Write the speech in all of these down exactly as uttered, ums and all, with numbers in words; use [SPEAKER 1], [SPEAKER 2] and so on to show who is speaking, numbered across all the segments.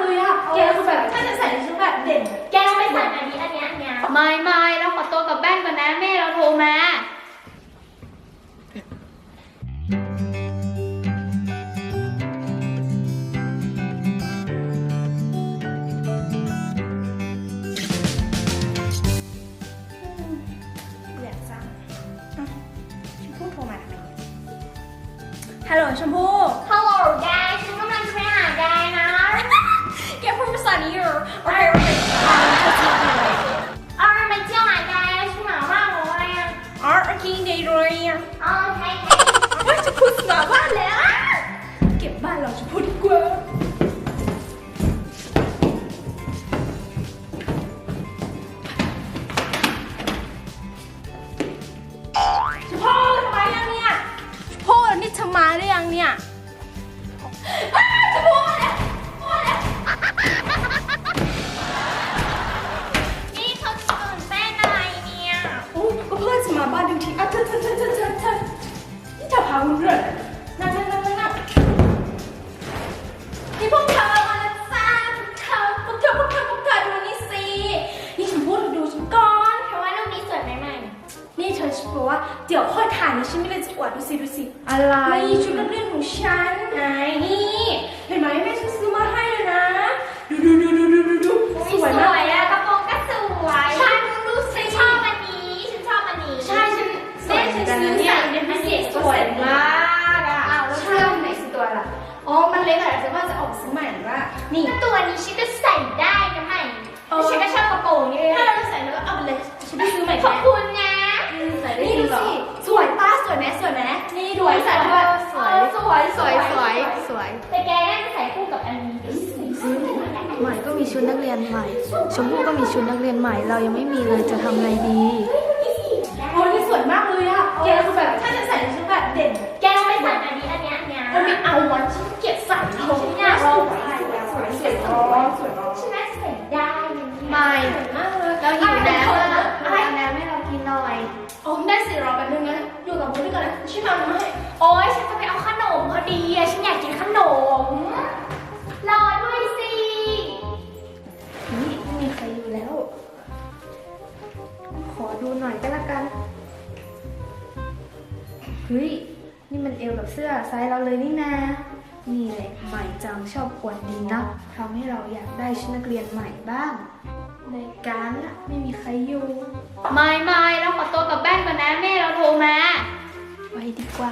[SPEAKER 1] เลยอะแกคือแบบถ้าจะใส่ชุดแบบเด่นแกต้องไปใส่อันนี้อันนี้อันนี้
[SPEAKER 2] ไม่ไม่เราขอตัวกลับบ้านก่อนนะแม่เราโทรมา
[SPEAKER 1] ฮัลโหลชมพู่
[SPEAKER 2] ฮัลโหลยายฉันกำลังจะไปหายายนะ
[SPEAKER 1] แกพูดภาษานี้เหรอโอเคโอเค
[SPEAKER 2] เอาไปเที่ยวหายายฉันหนาวมากเลยอ่ะ
[SPEAKER 1] อ๋อโอเคดีเลยอ่ะ
[SPEAKER 2] อ๋อใช่
[SPEAKER 1] ว่าจะพูดภาษาบ้านแล้วเก็บบ้านเราจะพูดดีกว่าชมพู่ทำไมยังเนี่ยชมพู่นี่เธอมาหรือยังเนี่ยชมพู่มาแล้วมาแล้ว
[SPEAKER 2] นี่เขาตื่นเต้นอะไรเนี่ย
[SPEAKER 1] โอ้ก็เพื่อนจะมาบ้านดูทีอ่ะเธอเธอเธอเธอเธอเธอนี่เธอพาคุณเรื่องนั่งนั่งนั่งนั่งนี่พวกเธอมาแล้วจ้าพวกเธอพวกเธอพวกเธอพวกเธอดูนี่สินี่ฉันพูดดูฉันก่อน
[SPEAKER 2] เพราะว่ารูปนี้สวยใหม่
[SPEAKER 1] นี่เธอฉันบอกว่าเดี๋ยวค่อยถ่ายนะฉันไม่ได้จะอวดดูสิดูสิ
[SPEAKER 2] ๆอะไร
[SPEAKER 1] นี่ชุดนักเรียนของฉันไงนี่เห็นไหมแม่ฉันซื้อมาให้เลยนะดูดูดูดูดูดูดูสวยมาก
[SPEAKER 2] อะกระโปรงก็สวย
[SPEAKER 1] ใช่ดูสิ
[SPEAKER 2] ฉันชอบอันนี้ฉันชอบอันนี้
[SPEAKER 1] ใช่ฉันแม่ฉันซื้อใส่เป็นพิเศษสวยมากอ่ะ
[SPEAKER 2] อ้าวแล้วเสื้อไหนสิตัวล่ะ
[SPEAKER 1] อ๋อมันเล็กอะแต่ว่าจะออกซื้อใหม่ว่านี่
[SPEAKER 2] ตัวนี้ฉันก็ใส่ได้นะใหม่ฉันก็ชอบกระโปรงนี่เลย
[SPEAKER 1] ถ้าเราจะใส่แล้วก็เอาไปเลยฉันไปซื้อใหม่
[SPEAKER 2] ขอบคุณนะ
[SPEAKER 1] ใส่ได้จริงเหรอสวยป้าสวยไหมสวยไหมนี่ดูใส่ด้วย
[SPEAKER 2] สวย
[SPEAKER 1] สวยสวย
[SPEAKER 3] สวยสวย
[SPEAKER 2] แต่แกน่าจะใส่คู่กับอันนี้
[SPEAKER 3] ใหม่ก็มีชุดนักเรียนใหม่ ชมพู่ก็มีชุดนักเรียนใหม่ เรายังไม่มีเลยจะทำไงดี
[SPEAKER 1] โอ้นี่สวยมากเลยอะแกคือแบบถ้าจะใส่ชุดแบบเด่น
[SPEAKER 2] แกต้องไปใส่อันนี้อันนี้อันนี้
[SPEAKER 1] มันไม่เอาวันฉันเกลียดใส่เธอ
[SPEAKER 2] ฉันอยากลองใส่
[SPEAKER 1] สวยสวยสวยสวย
[SPEAKER 2] ฉันน่าจะใส่ได้นะ
[SPEAKER 3] ไม่
[SPEAKER 1] มากเลย
[SPEAKER 3] เราหิวน้ำ
[SPEAKER 1] อะ
[SPEAKER 3] อะ
[SPEAKER 1] อะไร
[SPEAKER 3] เอาน้ำให้เรากินหน่อย
[SPEAKER 1] โอ้ได้สิรอแป๊บนึงนะอยู่กับบุ้นก่อนนะช่วยทำมาให้
[SPEAKER 2] โอ๊ยฉันจะไปเอาขนมพอดีอะฉันอยากกินขนมรอด้วยสิ
[SPEAKER 3] นี่ไม่มีใครอยู่แล้ว ขอดูหน่อยก็แล้วกัน เฮ้ย นี่มันเอวกับเสื้อไซส์เราเลยนี่นา นี่แหละใหม่จังชอบกวนดีนะทำให้เราอยากได้ชุดนักเรียนใหม่บ้าง ในการละไม่มีใครอยู่
[SPEAKER 2] ไม่ไม่เราขอตัวกลับบ้านก่อนนะแม่เราโทรมา
[SPEAKER 3] ไว้ดีกว่า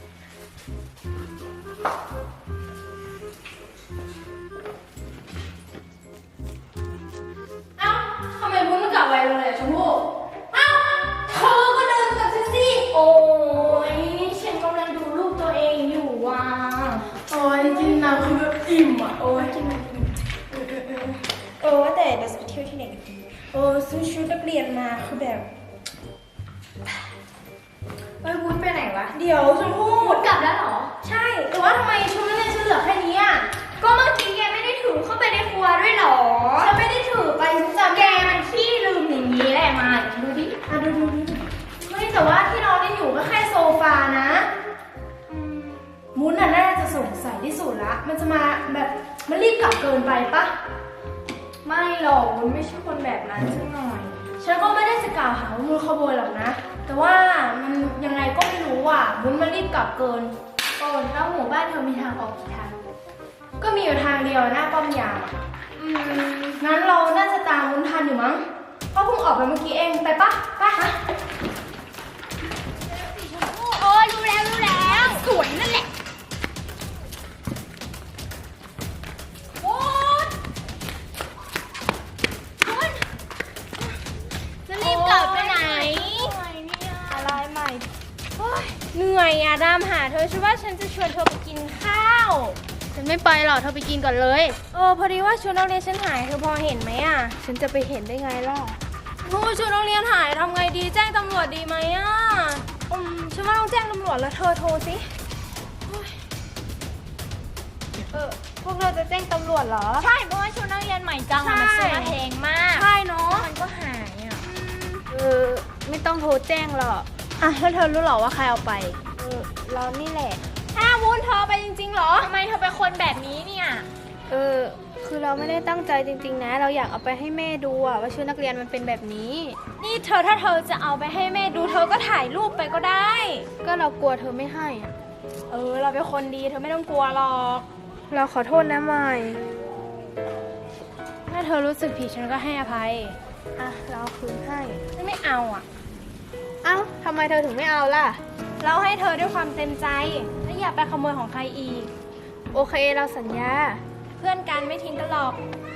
[SPEAKER 1] เอ้าทำไมบุ้นมันกลับไวเลยอะชมพู่เอ้าเธอก็เดินกับฉันสิ
[SPEAKER 2] โอ้ยฉันกำลังดูรูปตัวเองอยู่ว่ะ
[SPEAKER 1] โอ้ยกินน้ำคือแบบอิ่มอ่ะโอ้ยกินน้ำอิ่มเออเออเออเออว่าแต่เราจะไปเที่ยวที่ไหนกันดีเออซื้อชุดนักเรียนมาคือแบบเอ้ยวุ้นไปไหนวะเดี๋ยวชมพู่
[SPEAKER 2] กลับแล้วเหรอ
[SPEAKER 1] ใช่แต่ว่าทำไมชุดนักเรียนฉันเหลือแค่นี้อ่ะ
[SPEAKER 2] ก็เมื่อกี้แกไม่ได้ถือเข้าไปในครัวด้วยเหรอ
[SPEAKER 1] ฉันไม่ได้ถือไปฉันจำ
[SPEAKER 2] แกมันขี้ลืมอย่างนี้แหละมาดูดิ
[SPEAKER 1] อ่ะดูดูดูไม่แต่ว่าที่นอนได้อยู่ก็แค่โซฟานะมุ้นน่ะน่าจะสงสัยที่สุดละ มันจะมาแบบมันรีบกลับเกินไปปะ ไม่หรอกมุ้นไม่ใช่คนแบบนั้นสักหน่อย ฉันก็ไม่ได้จะกล่าวหาว่ามุ้นขโมยหรอกนะ แต่ว่ามันยังไงก็ไม่รู้อ่ะมุ้นมันรีบกลับเกิน
[SPEAKER 2] โอ้แล้วหมู่บ้านเธอมีทางออกกี่ทาง
[SPEAKER 1] ก็มีอยู่ทางเดียวหน้าป้อมยามอะ
[SPEAKER 2] อืม
[SPEAKER 1] งั้นเราน่าจะตามมุ้นทันอยู่มั้งเพราะเพิ่งออกไปเมื่อกี้เองไปปะไป
[SPEAKER 2] โอ้รู้แล้วรู้แล้วสวยนั่นแหละโอ๊ยคุณจะรีบกลับไปไหน
[SPEAKER 3] อะไรใหม่
[SPEAKER 1] เหนื่อยอ่ะตามหาเธอฉันว่าฉันจะชวนเธอไปกินข้าว
[SPEAKER 3] ฉันไม่ไปหรอกเธอไปกินก่อนเลย
[SPEAKER 1] เออพอดีว่าชุดนักเรียนฉันหายเธอพอเห็นไหมอ่ะ
[SPEAKER 3] ฉันจะไปเห็นได้ไงล่ะ
[SPEAKER 1] โอ้ชุดนักเรียนหายทำไงดีแจ้งตำรวจดีไหมอ่ะอืมฉันว่าต้องแจ้งตำรวจแล้วเธอโทรสิโอ๊ยเออพวกเราจะแจ้งตำรวจเหรอ
[SPEAKER 2] ใช่เพราะว่าชุดนักเรียนใหม่จังอะมันซื้อมาแพงมาก
[SPEAKER 1] ใช่เนาะ
[SPEAKER 2] มันก็หายอ่ะ
[SPEAKER 3] เออ ไม่ต้องโทรแจ้งหรอก
[SPEAKER 1] อ่ะแล้วเธอรู้เหรอว่าใครเอาไป
[SPEAKER 3] เออ เรานี่แหละ
[SPEAKER 1] อ้าววุ้นเธอไปจริงๆเหรอ
[SPEAKER 2] ทำไมเธอเป็นคนแบบนี้เนี่ย
[SPEAKER 3] เออคือเราไม่ได้ตั้งใจจริงๆนะ เราอยากเอาไปให้แม่ดูอะว่าชุดนักเรียนมันเป็นแบบนี้
[SPEAKER 2] นี่เธอถ้าเธอจะเอาไปให้แม่ดูเธอก็ถ่ายรูปไปก็ได้
[SPEAKER 3] ก็เรากลัวเธอไม่ให้อะ
[SPEAKER 2] เออ เราเป็นคนดีเธอไม่ต้องกลัวหรอก
[SPEAKER 3] เราขอโทษนะใหม่
[SPEAKER 2] ถ้าเธอรู้สึกผิดฉันก็ให้อภัย
[SPEAKER 3] อ่ะเราคืนให้
[SPEAKER 2] ไม่เอาอ่ะ
[SPEAKER 3] เอ้าทำไมเธอถึงไม่เอาล่ะ
[SPEAKER 2] เราให้เธอด้วยความเต็มใจและอย่าไปขโมยของใครอีก
[SPEAKER 3] โอเคเราสัญญา
[SPEAKER 2] เพื่อนกันไม่ทิ้งกันหรอก